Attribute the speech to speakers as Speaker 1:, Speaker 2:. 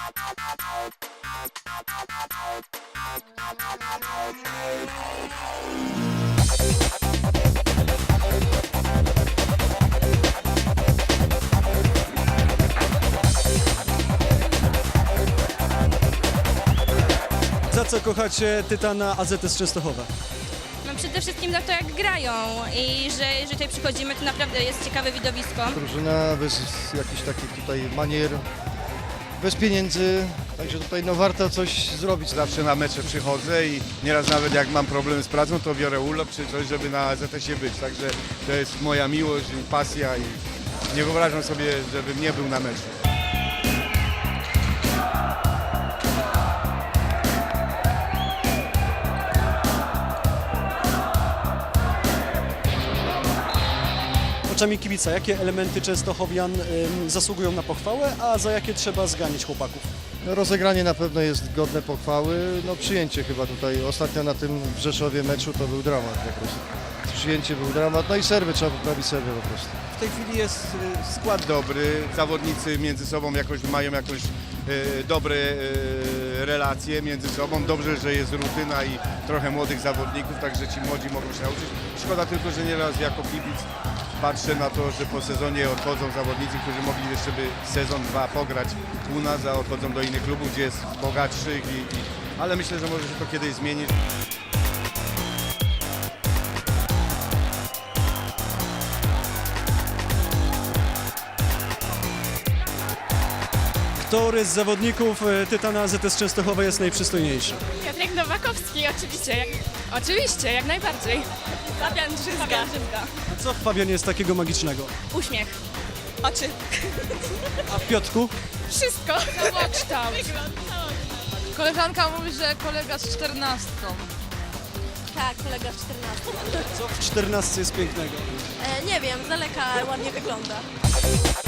Speaker 1: Za co kochacie Tytana AZS Częstochowa?
Speaker 2: No przede wszystkim za to, jak grają i że jeżeli tutaj przychodzimy, to naprawdę jest ciekawe widowisko.
Speaker 3: Drużyna bez jakichś takich tutaj manier, bez pieniędzy, także tutaj no warto coś zrobić.
Speaker 4: Zawsze na mecze przychodzę i nieraz nawet jak mam problem z pracą, to biorę urlop czy coś, żeby na AZS-ie być. Także to jest moja miłość i pasja i nie wyobrażam sobie, żebym nie był na meczu.
Speaker 1: Oczami kibica, jakie elementy Częstochowian zasługują na pochwałę, a za jakie trzeba zganić chłopaków?
Speaker 3: No, rozegranie na pewno jest godne pochwały, no przyjęcie chyba tutaj, ostatnio na tym w Rzeszowie meczu to był dramat po prostu. Przyjęcie był dramat, no i serwy, trzeba poprawić serwy po prostu.
Speaker 4: W tej chwili jest skład dobry, zawodnicy między sobą mają jakąś dobre relacje między sobą. Dobrze, że jest rutyna i trochę młodych zawodników, także ci młodzi mogą się nauczyć. Szkoda tylko, że nieraz jako kibic patrzę na to, że po sezonie odchodzą zawodnicy, którzy mogli jeszcze by sezon, dwa pograć u nas, a odchodzą do innych klubów, gdzie jest bogatszych, ale myślę, że może się to kiedyś zmienić.
Speaker 1: Który z zawodników Tytana AZS Częstochowa jest najprzystojniejszy?
Speaker 5: Piotrek Nowakowski, oczywiście. Oczywiście, jak najbardziej.
Speaker 2: Fabian Drzyzga.
Speaker 1: Co w Fabianie jest takiego magicznego?
Speaker 2: Uśmiech. Oczy.
Speaker 1: A w Piotrku?
Speaker 5: Wszystko. Całokształt. Koleżanka mówi, że kolega z 14.
Speaker 2: Tak, kolega z 14.
Speaker 1: Co w 14 jest pięknego?
Speaker 2: Nie wiem, z daleka ładnie wygląda.